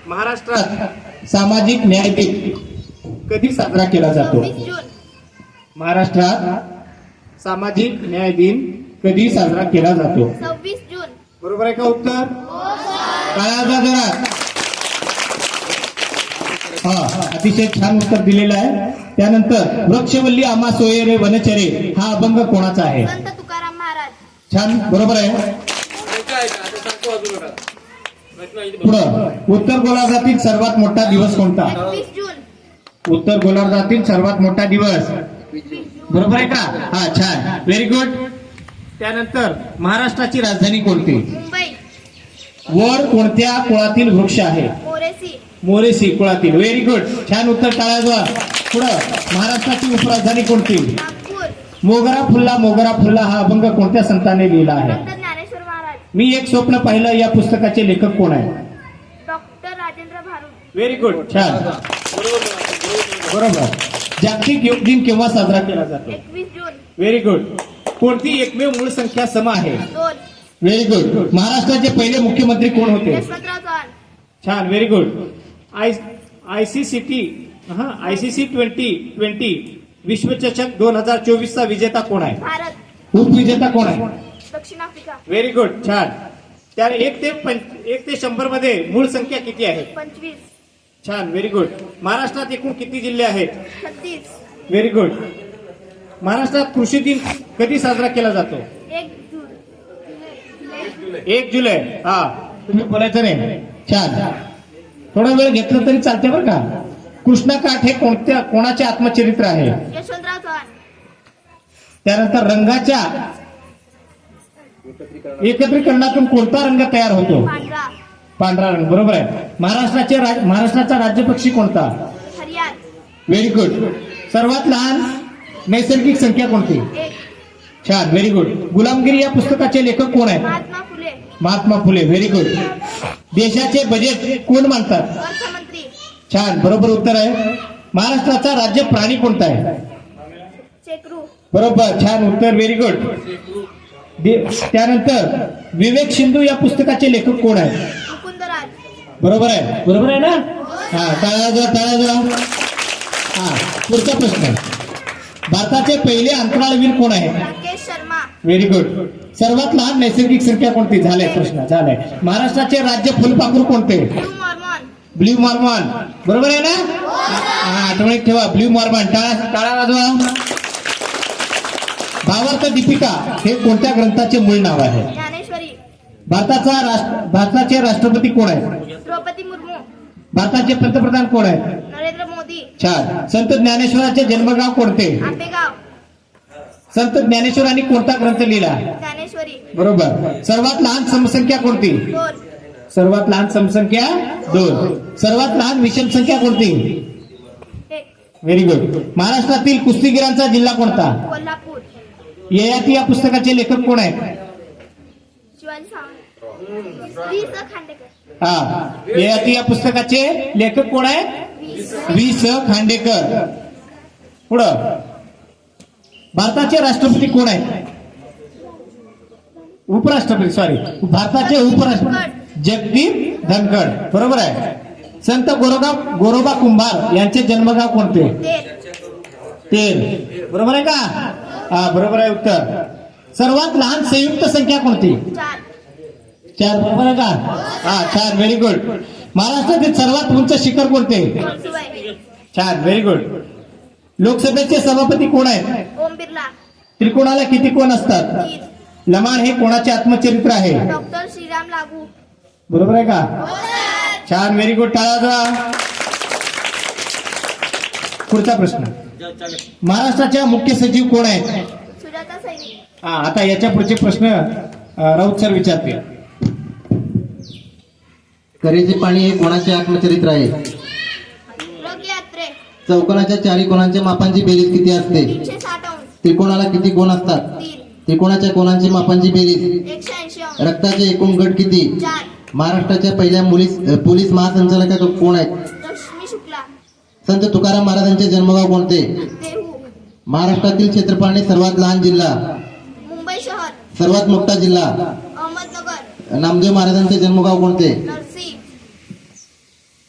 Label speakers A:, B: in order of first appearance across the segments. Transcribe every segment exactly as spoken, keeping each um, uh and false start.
A: महाराष्ट्रात सामाजिक न्याय दिन कधी साजरा केला जातो?
B: सव्वीस जून.
A: महाराष्ट्रात सामाजिक न्याय दिन कधी साजरा केला जातो?
B: सव्वीस जून.
A: बरोबर आहे का उत्तर? टाळ्या जरा. हा, अतिशय छान उत्तर दिलेलं आहे. त्यानंतर वृक्षवल्ली आम्हा सोये रे वनचरे हा अभंग कोणाचा आहे?
B: संत तुकाराम महाराज.
A: छान, बरोबर आहे. पुढं, उत्तर गोलार्धातील सर्वात मोठा दिवस कोणता?
B: एकवीस जून.
A: उत्तर गोलार्धातील सर्वात मोठा दिवस बरोबर आहे का? हा, छान, व्हेरी गुड. त्यानंतर महाराष्ट्राची राजधानी कोणती?
B: मुंबई.
A: वर कोणत्या कुळातील वृक्ष आहे?
B: मोरेसी.
A: मोरेसी कुळातील. व्हेरी गुड, छान उत्तर. टाळ्या. पुढं, महाराष्ट्राची उपराजधानी कोणती?
B: नागपूर.
A: मोगरा फुल्ला मोगरा फुल्ला हा अभंग कोणत्या संताने लिहिला आहे?
B: डॉक्टर ज्ञानेश्वर महाराज.
A: मी एक स्वप्न पाहिलं या पुस्तकाचे लेखक कोण आहे?
B: Doctor Rajendra Bharud.
A: Very good, छान, बरोबर. जागतिक योग दिन केव्हा साजरा केला जातो?
B: एकवीस जून.
A: Very good. कोणती एकमेव मूळ संख्या सम आहे?
B: दोन.
A: Very good. महाराष्ट्राचे पहिले मुख्यमंत्री कोण होते?
B: यशवंतराव चव्हाण.
A: छान, व्हेरी गुड. आय आयसीसीटी हा आयसीसी ट्वेंटी ट्वेंटी विश्वचषक दोन हजार चोवीस चा विजेता कोण आहे?
B: भारत.
A: उपविजेता कोण आहे?
B: दक्षिण आफ्रिका.
A: व्हेरी गुड, छान. त्या एक ते पंच एक ते शंभर मध्ये मूळ संख्या किती आहे?
B: पंचवीस.
A: छान, व्हेरी गुड. महाराष्ट्रात एकूण किती जिल्हे आहेत?
B: छत्तीस.
A: Very good. महाराष्ट्रात कृषी दिन कधी साजरा केला जातो?
B: एक जून.
A: एक जुलै. हा, तुम्ही बोलायचं नाही. छान, थोडा वेळ घेतलं तरी चालते बरं का. कृष्णकाठ हे कोणत्या कोणाचे आत्मचरित्र आहे?
B: यशवंतराव चव्हाण.
A: त्यानंतर रंगाच्या एकत्रीकरणातून कोणता रंग तयार होतो?
B: पांढरा.
A: पांढरा रंग. बरोबर आहे. महाराष्ट्राचे राज- महाराष्ट्राचा राज्य पक्षी कोणता?
B: हरियाण.
A: Very good. सर्वात लहान नैसर्गिक संख्या कोणती?
B: एक.
A: छान, व्हेरी गुड. गुलामगिरी या पुस्तकाचे लेखक कोण आहेत?
B: महात्मा फुले.
A: महात्मा फुले. Very good. देशाचे बजेट कोण मांडतात?
B: अर्थमंत्री.
A: छान, बरोबर उत्तर आहे. महाराष्ट्राचा राज्य प्राणी कोणता आहे?
B: चेकरू.
A: बरोबर, छान उत्तर, व्हेरी गुड. त्यानंतर विवेक सिंधू या पुस्तकाचे लेखक कोण आहेत?
B: मुकुंदराज.
A: बरोबर आहे. बरोबर आहे ना? हा, टाळ्या जा, टाळ्या जा. हा, पुढचा प्रश्न. भारताचे पहिले अंतराळवीर कोण आहे?
B: राकेश शर्मा.
A: Very good. सर्वात लहान नैसर्गिक संख्या कोणती? झालंय प्रश्न, झालाय. महाराष्ट्राचे राज्य फुलपाखरू कोणते?
B: Blue Mormon.
A: Blue Mormon. बरोबर आहे ना? हा, आठवणीत ठेवा, ब्ल्यू मॉर्मॉन. टाळा टाळा वाजवा. भावार्थ दीपिका हे कोणत्या ग्रंथाचे मूळ नाव आहे?
B: ज्ञानेश्वरी.
A: भारताचा राष्ट्र भारताचे राष्ट्रपती कोण आहेत?
B: द्रौपदी मुर्मू.
A: भारताचे पंतप्रधान कोण आहेत?
B: नरेंद्र मोदी.
A: छान. संत ज्ञानेश्वराचे जन्मगाव कोणते?
B: आंबेगाव.
A: संत ज्ञानेश्वरांनी कोणता ग्रंथ लिहिला?
B: ज्ञानेश्वरी.
A: बरोबर. सर्वात लहान समसंख्या कोणती?
B: दोन.
A: सर्वात लहान समसंख्या दोन. सर्वात लहान विषम संख्या कोणती?
B: एक.
A: Very good. महाराष्ट्रातील कुस्तीगिरांचा जिल्हा कोणता?
B: कोल्हापूर.
A: ययाती या पुस्तकाचे लेखक कोण आहेत?
B: शिवाजी सावंत. वी स खांडेकर.
A: हा, ययाती या पुस्तकाचे लेखक कोण आहेत?
B: वी स.
A: वी स खांडेकर. पुढं, भारताचे राष्ट्रपती कोण आहेत? उपराष्ट्रपती, सॉरी, भारताचे उपराष्ट्रपती जगदीप धनखड. बरोबर आहे. संत गोरोबा गोरोबा कुंभार यांचे जन्मगाव कोणते?
B: तेर.
A: तेर. बरोबर आहे का? हा, बरोबर आहे उत्तर. सर्वात लहान संयुक्त संख्या कोणती?
B: चार.
A: चार. बरोबर आहे का? हा, छान, व्हेरी गुड. महाराष्ट्रातील सर्वात उंच शिखर कोणते?
B: कळसुबाई.
A: छान, व्हेरी गुड. लोकसभेचे सभापती कोण आहेत?
B: ओम बिर्ला.
A: त्रिकोणाला किती कोण असतात?
B: तीन.
A: लमाण हे कोणाचे आत्मचरित्र आहे?
B: डॉक्टर श्रीराम लागू.
A: बरोबर आहे का? छान, व्हेरी गुड. टाळा जा. पुढचा प्रश्न. महाराष्ट्राच्या मुख्य सचिव कोण आहेत?
B: सुजाता सैनिक.
A: हा, आता याच्या पुढचे प्रश्न अ, राऊत सर विचारतील.
C: करेचे पाणी हे कोणाचे आत्मचरित्र आहे?
B: रग यात्रे.
C: चौकोनाच्या चारी कोणांच्या मापांची बेरीज किती असते?
B: तीनशे साठ अंश.
C: त्रिकोणाला किती कोण असतात?
B: तीन.
C: त्रिकोणाच्या कोणांची मापांची बेरीज?
B: एकशे ऐंशी अंश.
C: रक्ताचे एकूण गट किती?
B: चार.
C: महाराष्ट्राच्या पहिल्या पोलीस पोलीस महासंचालका कोण आहेत?
B: रश्मी शुक्ला.
C: संत तुकाराम महाराजांचे जन्मगाव कोणते?
B: देहू.
C: महाराष्ट्रातील क्षेत्रफळाने सर्वात लहान जिल्हा?
B: मुंबई शहर.
C: सर्वात मोठा जिल्हा?
B: अहमदनगर.
C: नामदेव महाराजांचे जन्मगाव कोणते?
B: नरसी.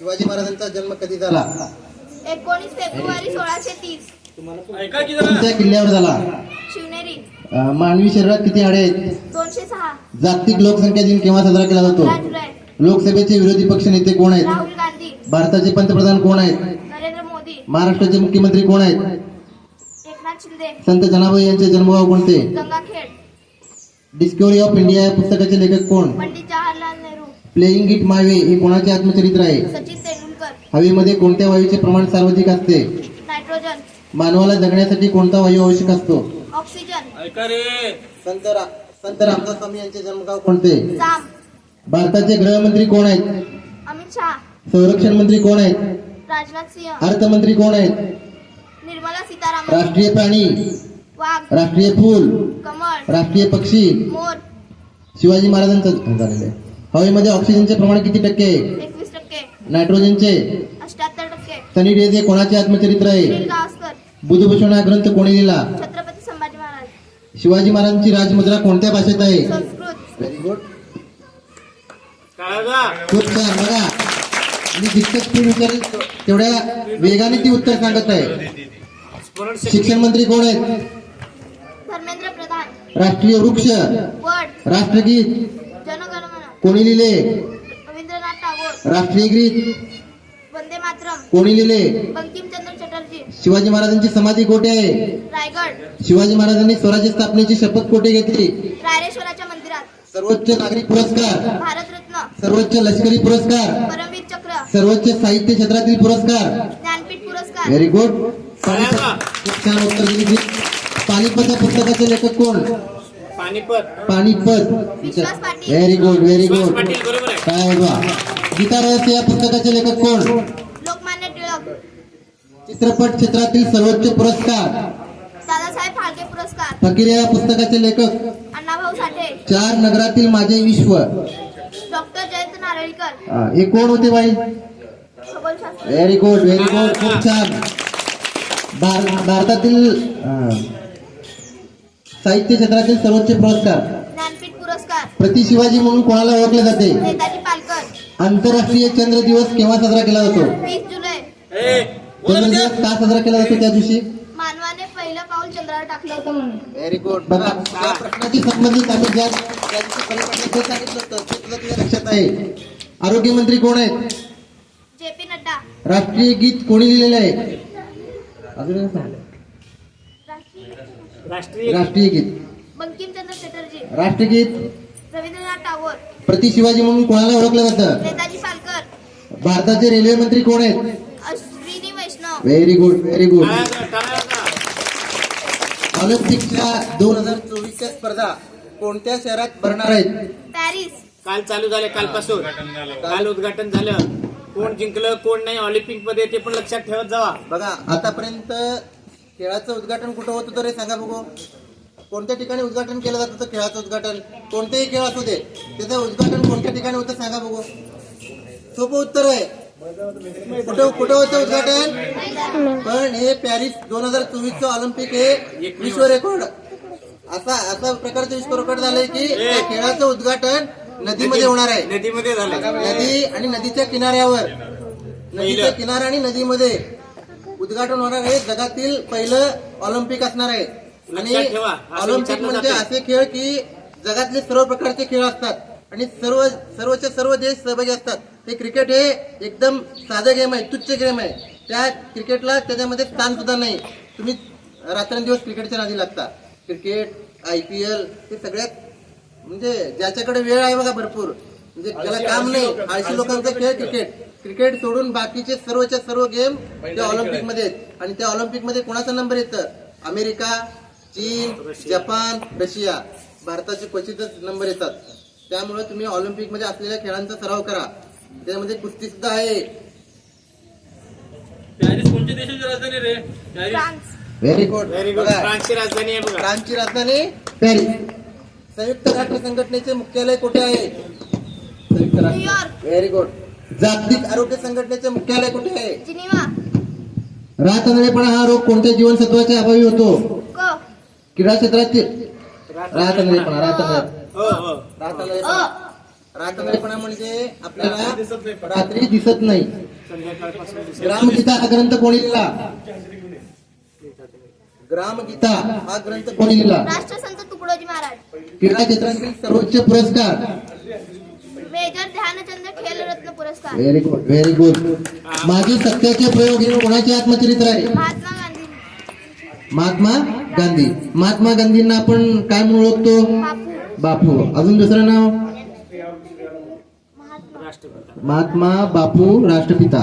C: शिवाजी महाराजांचा जन्म कधी झाला?
B: एकोणीस फेब्रुवारी सोळाशे तीस.
C: कोणत्या किल्ल्यावर झाला?
B: शिवनेरी.
C: अं, मानवी शरीरात किती हाडे आहेत?
B: दोनशे सहा.
C: जागतिक लोकसंख्या दिन केव्हा साजरा केला जातो?
B: पंधरा जुलै.
C: लोकसभेचे विरोधी पक्ष नेते कोण आहेत?
B: राहुल गांधी.
C: भारताचे पंतप्रधान कोण आहेत?
B: नरेंद्र मोदी.
C: महाराष्ट्राचे मुख्यमंत्री कोण आहेत?
B: एकनाथ शिंदे.
C: संत जनाबाई यांचे जन्मगाव कोणते?
B: गंगाखेड.
C: डिस्कवरी ऑफ इंडिया या पुस्तकाचे लेखक कोण?
B: Pandit Jawaharlal Nehru.
C: Playing it my way हे कोणाचे आत्मचरित्र आहे?
B: सचिन तेंडुलकर.
C: हवेमध्ये कोणत्या वायूचे प्रमाण सर्वाधिक असते?
B: नायट्रोजन.
C: मानवाला जगण्यासाठी कोणता वायू आवश्यक असतो?
B: ऑक्सिजन.
C: संत रा- संत रामदास स्वामी यांचे जन्मगाव कोणते?
B: जाम.
C: भारताचे गृहमंत्री कोण आहेत?
B: अमित शहा.
C: संरक्षण मंत्री कोण आहेत?
B: राजनाथ सिंह.
C: अर्थमंत्री कोण आहेत?
B: निर्मला सीतारामन.
C: राष्ट्रीय प्राणी,
B: वाघ.
C: राष्ट्रीय फूल,
B: कमळ.
C: राष्ट्रीय पक्षी.
B: मोर.
C: शिवाजी महाराजांचं झालेलं आहे. हवेमध्ये ऑक्सिजनचे प्रमाण किती टक्के आहे?
B: एकवीस टक्के.
C: नायट्रोजनचे?
B: अठ्याहत्तर टक्के.
C: सनी डेज हे कोणाचे आत्मचरित्र आहे?
B: सुनील गावस्कर.
C: बुधभूषण हा ग्रंथ कोणी लिहिला?
B: छत्रपती संभाजी महाराज.
C: शिवाजी महाराजांची राजमुद्रा कोणत्या भाषेत आहे?
B: संस्कृत.
C: Very good. खूप छान. बघा, मी जितकं स्पीड विचारेल तेवढ्या वेगाने ती उत्तर सांगत आहे. शिक्षण मंत्री कोण आहेत?
B: धर्मेंद्र प्रधान.
C: राष्ट्रीय वृक्ष,
B: वड.
C: राष्ट्रगीत
B: जनगणमन.
C: कोणी लिहिले?
B: रवींद्रनाथ टागोर.
C: राष्ट्रीय गीत
B: वंदे मातरम.
C: कोणी लिहिले?
B: बंकिमचंद्र चटर्जी.
C: शिवाजी महाराजांची समाधी कोठे आहे?
B: रायगड.
C: शिवाजी महाराजांनी स्वराज्य स्थापनेची शपथ कोठे घेतली?
B: रायरेश्वराच्या मंदिरात.
C: सर्वोच्च नागरी पुरस्कार,
B: भारतरत्न.
C: सर्वोच्च लष्करी पुरस्कार,
B: परमवीर चक्र.
C: सर्वोच्च साहित्य क्षेत्रातील पुरस्कार.
B: ज्ञानपीठ पुरस्कार.
C: Very good. खूप छान उत्तर दिली. पानिपत या पुस्तकाचे लेखक कोण?
A: Panipat.
C: Panipat.
B: Vishwas Patil.
C: Very good, very good.
A: Patil बरोबर आहे.
C: काय बा. गीता रहस्य या पुस्तकाचे लेखक कोण?
B: लोकमान्य टिळक.
C: चित्रपट क्षेत्रातील सर्वोच्च पुरस्कार.
B: दादासाहेब फाळके पुरस्कार.
C: फकीर या पुस्तकाचे लेखक.
B: अण्णाभाऊ साठे.
C: चार नगरातील माझे विश्व.
B: डॉक्टर जयंत नारळीकर.
C: हा, हे कोण होते बाई?
B: खगोलशास्त्र.
C: Very good, very good. खूप छान. भार- भारतातील अं, साहित्य क्षेत्रातील सर्वोच्च पुरस्कार.
B: ज्ञानपीठ पुरस्कार.
C: प्रति शिवाजी म्हणून कोणाला ओळखले जाते?
B: नेताजी पालकर.
C: आंतरराष्ट्रीय चंद्र दिवस केव्हा साजरा केला जातो?
B: वीस जुलै.
C: चंद्र दिवस का साजरा केला जातो त्या दिवशी?
B: मानवाने पहिलं पाऊल चंद्रावर टाकलं होतं म्हणून.
C: Very good. बघा, त्या प्रश्नाशी संबंधित आम्ही ज्या त्या दिवशी परीक्षेत जे सांगितलं होतं ते तुला तुझ्या लक्षात आहे. आरोग्य मंत्री कोण आहेत?
B: J P Nadda.
C: राष्ट्रीय गीत कोणी लिहिलेलं आहे? अजून एक सांग.
A: राष्ट्रीय
C: राष्ट्रीय गीत.
B: बंकिमचंद्र चटर्जी.
C: राष्ट्रगीत.
B: रवींद्रनाथ टागोर.
C: प्रति शिवाजी म्हणून कोणाला ओळखलं जातं?
B: नेताजी पालकर.
C: भारताचे रेल्वे मंत्री कोण आहेत?
B: Ashwini Vaishnaw.
C: Very good, very good.
A: टाळ्या- टाळ्या वाजवा.
C: ऑलिम्पिकच्या दोन हजार चोवीसच्या स्पर्धा कोणत्या शहरात भरणार आहेत?
B: पॅरिस.
A: काल चालू झाले, कालपासून काल उद्घाटन झालं. कोण जिंकलं कोण नाही ऑलिम्पिक मध्ये ते पण लक्षात ठेवत जावा.
C: बघा, आतापर्यंत खेळाचं उद्घाटन कुठं होत होतं रे? सांगा बघू. कोणत्या ठिकाणी उद्घाटन केलं जात होतं खेळाचं उद्घाटन? कोणतेही खेळ असू दे, त्याचं उद्घाटन कोणत्या ठिकाणी होतं सांगा बघू. सोपं उत्तर आहे. कुठं कुठं होतं उद्घाटन? पण हे पॅरिस दोन हजार चोवीसचं ऑलिम्पिक हे विश्व रेकॉर्ड असा असा प्रकारचं विश्व रेकॉर्ड झालंय की त्या खेळाचं उद्घाटन नदीमध्ये होणार आहे.
A: नदीमध्ये झालं.
C: नदी आणि नदीच्या किनाऱ्यावर, नदीच्या किनारा आणि नदीमध्ये उद्घाटन होणार आहे. जगातील पहिलं ऑलिम्पिक असणार आहे. आणि
A: लक्षात ठेवा, असं
C: ऑलिम्पिक
A: विचारलं
C: म्हणजे
A: जातं.
C: असे खेळ की जगातले सर्व प्रकारचे खेळ असतात आणि सर्व सर्वचे सर्व देश सहभागी असतात. ते क्रिकेट हे एकदम साधं गेम आहे, तुच्छ गेम आहे. त्या क्रिकेटला त्याच्यामध्ये स्थान सुद्धा नाही. तुम्ही रात्रंदिवस क्रिकेटच्या नादी लागता. क्रिकेट, आय पी एल हे सगळ्यात म्हणजे ज्याच्याकडे वेळ आहे बघा भरपूर, म्हणजे त्याला काम नाही, आळशी लोकांचा खेळ क्रिकेट. क्रिकेट सोडून बाकीचे सर्वच्या सर्व गेम त्या ऑलिम्पिक मध्ये आहेत. आणि त्या ऑलिम्पिक मध्ये कोणाचा नंबर येतं? अमेरिका, चीन, जपान, रशिया. भारताचे क्वचितच नंबर येतात. त्यामुळे तुम्ही ऑलिम्पिक मध्ये असलेल्या खेळांचा सराव करा. त्यामध्ये कुस्ती सुद्धा आहे.
D: पॅरिस कोणत्या देशाची राजधानी रे? Paris.
B: France.
C: Very good.
A: Very good. फ्रान्सची राजधानी आहे बघा.
C: फ्रान्सची राजधानी पॅरिस. संयुक्त राष्ट्र संघटनेचे मुख्यालय कुठे आहे? संयुक्त राष्ट्र.
B: न्यूयॉर्क.
C: Very good. जागतिक आरोग्य संघटनेचे मुख्यालय कुठे आहे?
B: जिनिव्हा.
C: रातअंधळेपणा हा रोग कोणत्या जीवनसत्वाच्या अभावी होतो?
B: क.
C: क्रीडा क्षेत्रातील रातअंधळेपणा. रातअंधळे
A: हो हो
C: रातअंधळेपणा रातअंधळेपणा म्हणजे आपल्याला रात्री दिसत नाही. ग्रामगीता हा ग्रंथ कोणी लिहिला? ग्रामगीता हा ग्रंथ कोणी लिहिला?
B: राष्ट्रसंत तुकडोजी महाराज.
C: क्रीडा क्षेत्रातील सर्वोच्च पुरस्कार?
B: मेजर ध्यानचंद खेलरत्न पुरस्कार.
C: Very good, very good. माझे सत्याचे प्रयोग हे कोणाचे आत्मचरित्र आहे?
B: महात्मा गांधी.
C: महात्मा गांधी. महात्मा गांधींना आपण काय म्हणून ओळखतो?
B: बापू.
C: बापू. अजून दुसरं नाव? महात्मा बापू राष्ट्रपिता.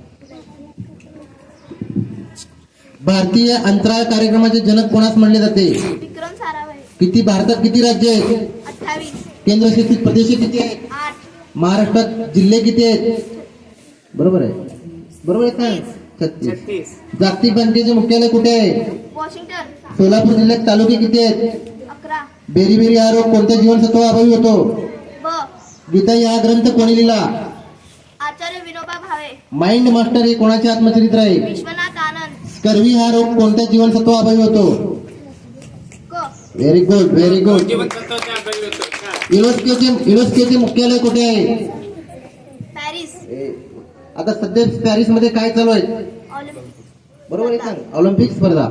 C: भारतीय अंतराळ कार्यक्रमाचे जनक कोणास म्हणले जाते?
B: विक्रम साराभाई.
C: किती भारतात किती राज्य आहेत?
B: अठ्ठावीस.
C: केंद्रशासित प्रदेश किती आहेत?
B: आठ.
C: महाराष्ट्रात जिल्हे किती आहेत? बरोबर आहे, बरोबर आहे का? छत्तीस. जागतिक बँकेचे मुख्यालय कुठे आहे?
B: वॉशिंग्टन.
C: सोलापूर जिल्ह्यात तालुके किती आहेत?
B: अकरा.
C: बेरीबेरी हा रोग कोणत्या जीवनसत्व अभावी होतो?
B: ब.
C: गीता हा ग्रंथ कोणी लिहिला?
B: आचार्य विनोबा भावे.
C: माइंड मास्टर हे कोणाचे आत्मचरित्र आहे?
B: विश्वनाथ आनंद.
C: स्कर्वी हा रोग कोणत्या जीवनसत्व अभावी होतो?
B: क.
C: Very good, very good. युनेस्कोचे युनेस्कोचे मुख्यालय कुठे आहे?
B: पॅरिस.
C: आता सध्या पॅरिस मध्ये काय चालू आहे?
B: ऑलिम्पिक.
C: बरोबर आहे सांग. ऑलिम्पिक स्पर्धा.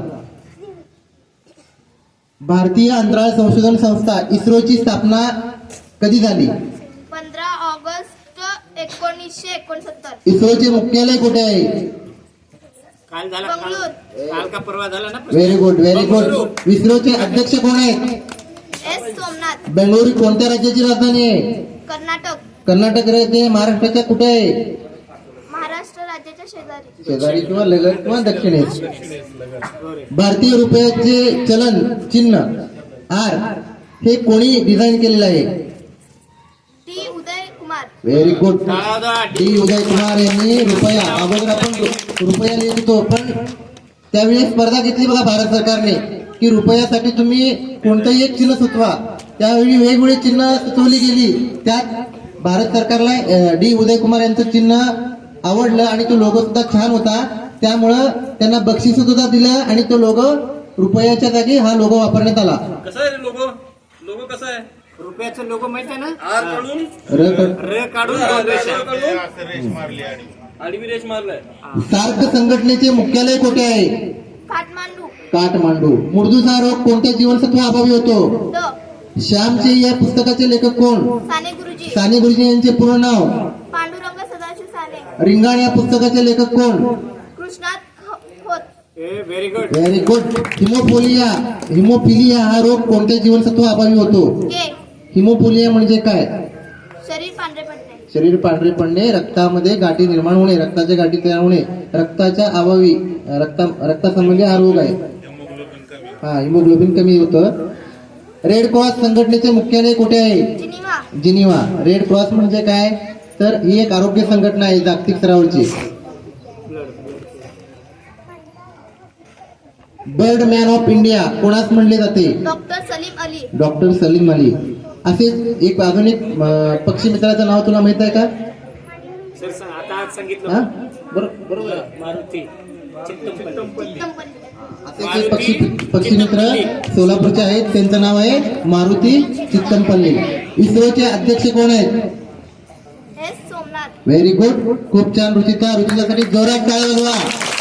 C: भारतीय अंतराळ संशोधन संस्था इस्रोची स्थापना कधी झाली?
B: पंधरा ऑगस्ट एकोणीसशे एकोणसत्तर.
C: इस्रोचे मुख्यालय कुठे आहे?
A: काल झाला
B: बंगळूर.
A: काल का परवा झाला ना?
C: Very good, very good. इस्रोचे अध्यक्ष कोण आहेत?
B: एस सोमनाथ.
C: बेंगळुरू कोणत्या राज्याची राजधानी आहे?
B: कर्नाटक.
C: कर्नाटक राज्य महाराष्ट्राच्या कुठे आहे?
B: महाराष्ट्र राज्याच्या शेजारी.
C: शेजारी किंवा लगत किंवा दक्षिणेस. भारतीय रुपयाचे चलन चिन्ह आर हे कोणी डिझाईन केलेलं आहे?
B: T Uday Kumar.
C: Very good.
A: टाळा
C: डी उदय कुमार यांनी रुपया. अगोदर आपण रुपया लिहित होतो, पण त्यावेळी स्पर्धा घेतली बघा भारत सरकारने की रुपयासाठी तुम्ही कोणतंही एक चिन्ह सुचवा. त्यावेळी वेगवेगळी चिन्ह सुचवली गेली. त्यात भारत सरकारला डी उदय कुमार यांचं चिन्ह आवडलं आणि तो लोगो सुद्धा छान होता. त्यामुळं त्यांना बक्षीस सुद्धा दिलं आणि तो लोगो रुपयाच्या जागी हा लोगो वापरण्यात आला.
D: कसा आहे लोगो? लोगो कसा आहे?
A: रुपयाचं लोगो माहित आहे ना?
D: आर काढून
C: र क-
A: र काढून दोन रेषा.
D: आडवी रेष मारलाय.
C: सार्क संघटनेचे मुख्यालय कुठे आहे?
B: काठमांडू.
C: काठमांडू. मुर्दूचा रोग कोणत्या जीवनसत्व अभावी होतो?
B: द.
C: श्यामचे या पुस्तकाचे लेखक कोण?
B: साने गुरुजी.
C: साने गुरुजी यांचे पूर्ण नाव?
B: पांडुरंग सदाशिव साने.
C: रिंगाण या पुस्तकाचे लेखक कोण?
B: कृष्णात ख- खोत.
A: ए very good.
C: Very good. Haemophilia haemophilia हा रोग कोणत्या जीवनसत्व अभावी होतो?
B: के.
C: हिमोफोलिया म्हणजे काय?
B: शरीर पांढरे पडणे.
C: शरीर पांढरे पडणे, रक्तामध्ये गाठी निर्माण होणे, रक्ताच्या गाठी तयार होणे, रक्ताच्या अभावी रक्ता रक्तासंबंधी हा रोग आहे. हा, हिमोग्लोबिन कमी होतं. रेड क्रॉस संघटनेचे मुख्यालय कुठे आहे?
B: जिनिवा.
C: जिनिवा. रेड क्रॉस म्हणजे काय? तर ही एक आरोग्य संघटना आहे जागतिक स्तरावरची. बर्ड मॅन ऑफ इंडिया कोणास म्हणले जाते?
B: डॉक्टर सलीम अली.
C: डॉक्टर सलीम अली. असेच एक अजून एक अं, पक्षी मित्राचं नाव तुला माहित आहे का?
A: सर सांग, आता आज सांगितलं
C: हा? बरो- बरोबर आहे.
A: मारुती चित्तमपल्ली.
B: कंपनी.
C: असेच एक पक्षी पक्षी मित्र सोलापूरचे आहेत, त्यांचं नाव आहे मारुती चित्तमपल्ली. इस्रोचे अध्यक्ष कोण आहेत?
B: एस सोमनाथ.
C: Very good. खूप छान रुचिता. रुचितासाठी जोरात टाळ्या वाजवा.